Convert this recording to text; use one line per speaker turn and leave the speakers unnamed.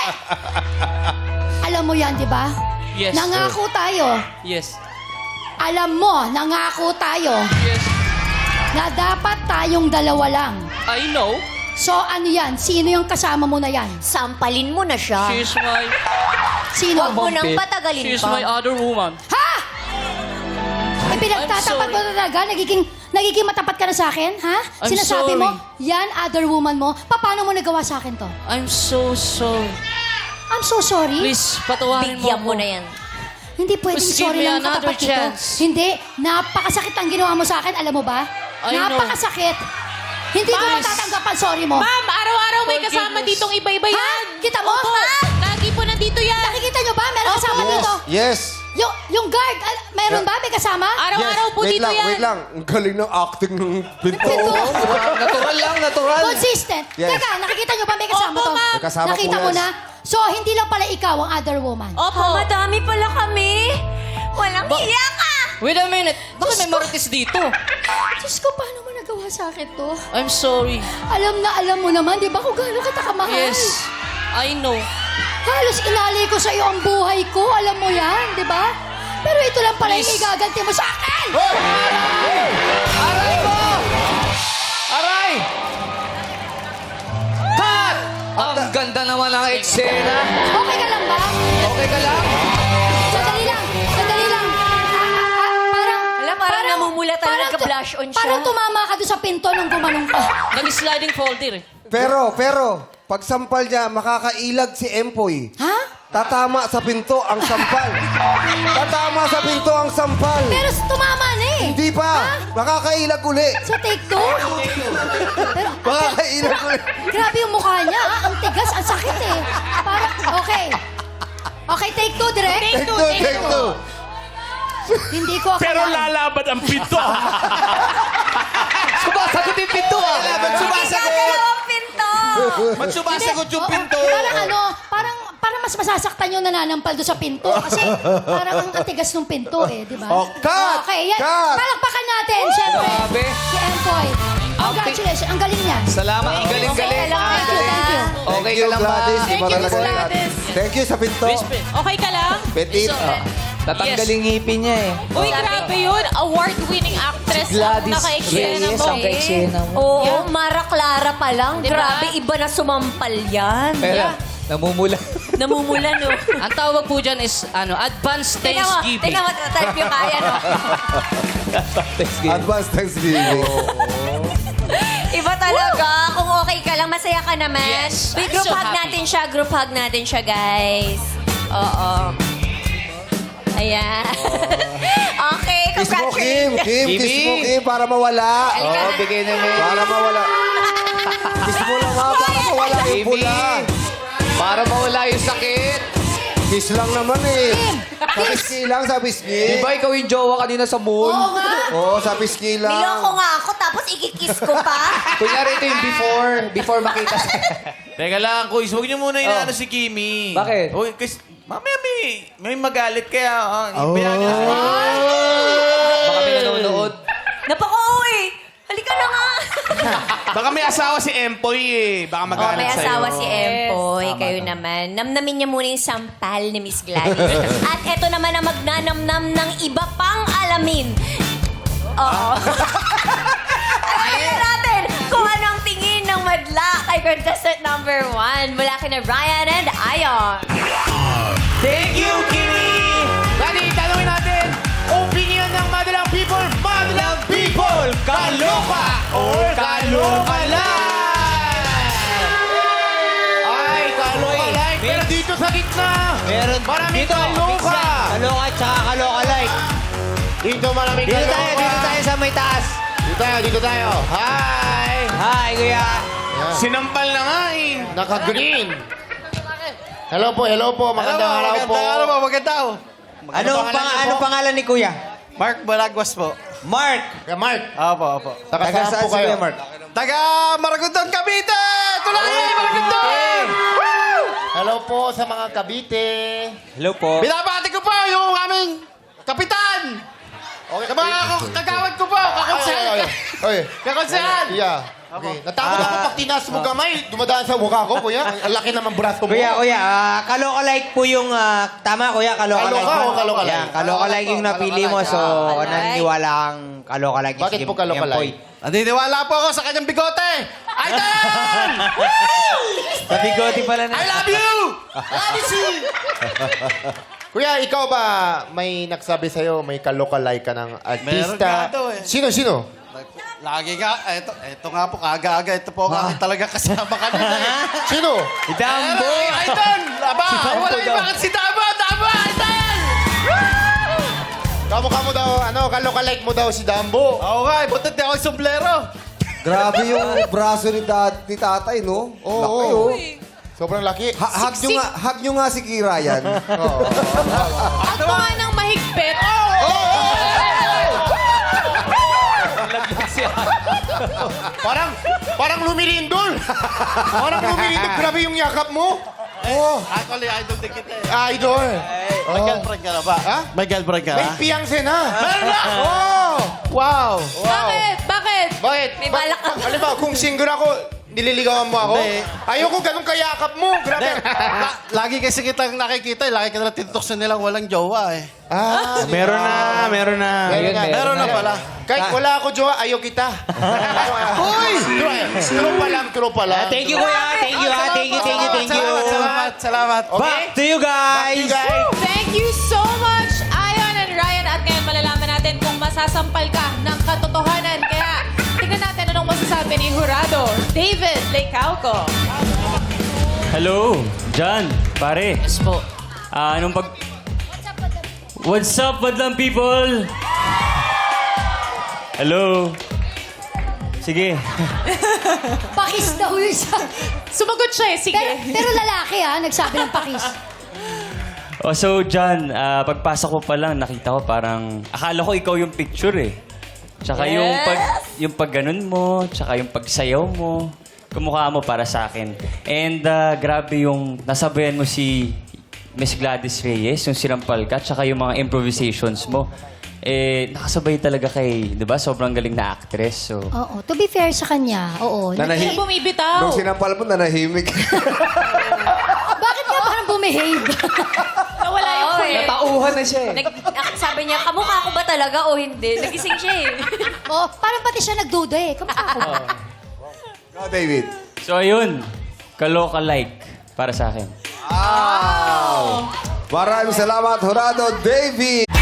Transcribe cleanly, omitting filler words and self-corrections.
Alam mo yan, di ba?
Yes.
Nangako tayo.
Yes.
Alam mo, nangako tayo
Yes.
na dapat tayong dalawa lang.
I know.
So, ano yan? Sino yung kasama mo na yan?
Sampalin mo na siya.
She's my...
Sino?
Huwag mo nang patagalin
She's
pa.
my other woman.
Ha? Ay, pinagtatapat mo
sorry.
na talaga? Nagiging matapat ka na sa akin? Ha?
I'm
Sinasabi mo,
sorry.
yan, other woman mo. Paano mo nagawa sa akin to?
I'm so sorry.
I'm so sorry.
Please, patawarin
Bigyan
mo
mo na yan.
Hindi pwedeng
Please give
sorry
me
lang
another
katapat dito.
chance.
Hindi. Napakasakit ang ginawa mo sa akin. Alam mo ba?
I know.
Napakasakit. Hindi ko
Please.
matatanggap ang sorry mo.
Ma'am, araw-araw may
Forgiveness.
kasama ditong iba-iba
Ha?
yan.
Kita mo? Ha?
Lagi po nandito yan.
Nakikita nyo ba? Meron kasama dito.
Yes.
Yung guard, meron ba? May kasama?
Araw-araw po
Wait
dito
lang,
yan.
wait lang. Ang galing ng acting ng pinto.
Pinto.
Natural lang, natural.
Consistent.
Yes.
Teka, nakikita nyo ba may kasama
Opo,
to?
ma'am.
May kasama
Nakita
po,
mo
yes.
na? So, hindi lang pala ikaw ang other woman.
Opo.
Madami pala kami. Walang hiya ka.
Wait a minute. Bakit may marites dito?
Diyos ko, paano mo nagawa sa akin to?
I'm sorry.
Alam mo naman, di ba kung gaano kita kamahal?
Yes. I know.
Halos inalay ko sa iyo ang buhay ko. Alam mo yan, di ba? Pero ito lang pala yung
Please.
igaganti mo sa akin!
Aray mo! Aray! Cut! Ang ganda naman ng eksena.
Okay ka lang ba?
Okay ka lang?
Sandali lang, sandali lang.
Parang namumula talaga,
parang
nagka-blush on siya.
Parang tumama ka doon sa pinto nung gumanong ka.
Nag-sliding folder eh.
Pero, pag sampal niya, makakailag si Empoy.
Ha?
Tatama sa pinto ang sampal. Tatama sa pinto ang sampal.
Pero tumama na eh.
Hindi pa. Makakailag uli.
So take two? Pero,
Makakailag uli.
grabe yung mukha niya. Ah. Ang tigas, ang sakit eh. Parang, okay. Okay, take two, direct.
Take two, take two.
Hindi ko
Pero
akalain.
lalaban ang pinto.
Sumasagot yung pinto ah.
Ba't sumasagot?
Dalawang pinto.
Ba't sumasagot yung pinto?
Parang mas masasaktan yung nananampal doon sa pinto. Kasi parang ang atigas ng pinto eh, di ba?
Oh, cut!
Okay, yan.
Cut!
Palakpakan natin, syempre.
Grabe.
Si Empoy. Congratulations, ang galing niya.
Salamat. Ang galing-galing.
Okay lang,
Thank you, thank you.
Okay ka lang ba?
Gladys.
Thank
Iba
you,
talaga
Miss
yan.
Gladys.
Thank you sa pinto.
Respect.
Okay ka lang?
Petit.
Tatanggalin ngipin niya eh.
Uy, grabe yun. Award-winning actress ang naka-eksena mo.
Oo, Mara Clara pa lang.
Diba?
Grabe, iba na sumampal yan.
Pero, namumula.
Namumula, no?
Ang tawag po dyan is, advanced Thanksgiving.
Tingnan mo, type yung kaya, no?
Advance Thanksgiving.
Iba talaga. Kung okay ka lang, masaya ka naman.
Yes,
Uy,
I'm
group
so
hug
happy.
natin siya. Group hug natin siya, guys. Oo. Ayan. Okay,
Kiss mo, Kim.
congratulations.
Kim, kiss mo, Kim, para mawala.
Oo, bigay na mo.
Para mawala. Kiss mo lang ha, para mawala yung
Kimi.
pula.
Para mawala yung sakit.
Kiss lang naman eh. Sa pisngi lang, sa pisngi.
Di ba ikaw yung jowa kanina sa moon?
Oo nga.
Oo, sa pisngi lang.
Niloko nga ako, tapos ikikiss ko pa.
Kunyari ito yung before makita sa...
Teka lang, Kuis. Huwag niyo muna inaano si Kimi.
Bakit?
Uy, kasi mamaya may magalit kaya. Bayaan niyo na.
Baka may nanonood.
Napaka-uwi. Halika na nga.
Baka may asawa si Empoy eh. Baka
Oh,
magalit
may
sa'yo.
asawa si Empoy. Kayo naman. Namnamin niya muna yung sampal ni Miss Gladys. At eto naman ang magnanamnam ng iba pang alamin. Oo. Alamin natin kung ano ang tingin ng madla kay contestant number 1 mula kina Ryan and Ayon.
Thank you, Kimi! Dali, tanungin natin. Opinion ng Madalang People. Madalang People! Kaloka or kaloka lang? Ay, kaloka like. Pero dito sa gitna.
Meron.
Maraming kaloka.
Kaloka at saka kaloka like.
Dito maraming kaloka.
Dito tayo sa may taas.
Dito tayo. Hi!
Hi, kuya.
Sinampal na nga eh. Naka-green. Hello po. Magandang araw po.
Anong pangalan ni kuya?
Mark Balagwas po.
Mark.
Kaya Mark,
Opo.
taga
Taga
saan
saan
po
si
kayo?
Kuya Mark?
Taga Maragondon, Cavite! Tulayan, Maragondon!
Hello po sa mga Cavite.
Hello po.
Binabati ko po yung aming kapitan!
Okay,
Sa mga kagawad ko po, kakonsehan!
Oy.
Kakonsehan!
Yeah. Okay. Natakot ako pag tinaas mo kamay, dumadaan sa mukha ko, kuya. Ang laki naman braso mo.
Kuya, kaloka-like po yung, tama kuya, kaloka-like.
Kaloka o kaloka-like?
Yeah, kaloka-like yung napili mo, so
Kaloka-like.
naniniwala kang kaloka-like.
Bakit po kaloka-like?
Naniniwala po ako sa kanyang bigote. Idol!
Sa bigote pala na.
I love you!
Kuya, ikaw ba may nagsabi sa'yo, may kaloka-like ka ng artista?
Meron nga daw eh.
Sino?
Lagi nga, eto nga po, kaga-aga. Ito po ang aking talaga kasama kanina eh.
Sino?
Dambo!
Idol! Aba!
Si Dambo
Wala
daw.
yung bakit si Dambo! Dambo! Idol!
Kamukha mo daw, kaloka-like mo daw si Dambo.
Oo nga, butot di ako yung sombrero.
Grabe yung braso ni tatay, no?
Oo.
Laki, oh.
Sobrang laki.
Hug nyo nga si Kira yan.
At mga nang mahigpit.
Parang lumilindol. Grabe yung yakap mo. Oh,
Actually, idol din kita eh.
idol.
May girlfriend ka na ba?
Ha?
May girlfriend ka
May
na?
fiancé na.
Meron na!
Oh! Wow.
Bakit? Bakit?
Bakit?
May balak ka.
Alam mo, kung single ako, nililigawan mo ako?
Hindi.
Ayoko ganun kayakap mo. Grabe.
Lagi kasi kitang nakikita, lagi ka na tinutuksan nilang walang jowa eh.
Meron na.
Meron na pala. Kahit wala ako, jowa, ayaw kita. Uy! True pa lang.
Thank you kuya, thank you ha, thank you.
Salamat.
Back to you guys!
Thank you so much, Ayon and Ryan. At ngayon malalaman natin kung masasampal ka ng katotohanan. Kaya tingnan natin anong masasabi ni Jurado David Lecauco.
Hello, John, pare.
Yes po.
What's up, madlang people? Hello. Sige.
Pakis daw yun siya.
Sumagot siya eh. Sige.
Pero lalaki nagsabi ng pakis.
So, John, pagpasok ko pa lang, nakita ko parang, akala ko ikaw yung picture eh. Tsaka yung pag ganun mo, tsaka yung pagsayaw mo, kumukha mo para sa akin. And grabe yung nasabayan mo si Miss Gladys Reyes, yung sinampal ka, tsaka yung mga improvisations mo. Nakasabay talaga kay, di ba? Sobrang galing na actress. So,
Oo, to be fair sa kanya, oo.
Hindi bumibitaw.
Nung sinampal mo, nanahimik.
Bakit nga parang bumehave?
Nawala yung kulit.
Natauhan na siya eh.
Sabi niya, kamukha ko ba talaga o hindi? Nagising siya eh.
Oh, parang pati siya nagduda eh. Kamukha ko.
Go, David.
so ayun. Kaloka-like para sa akin.
Maraming salamat, Jurado David.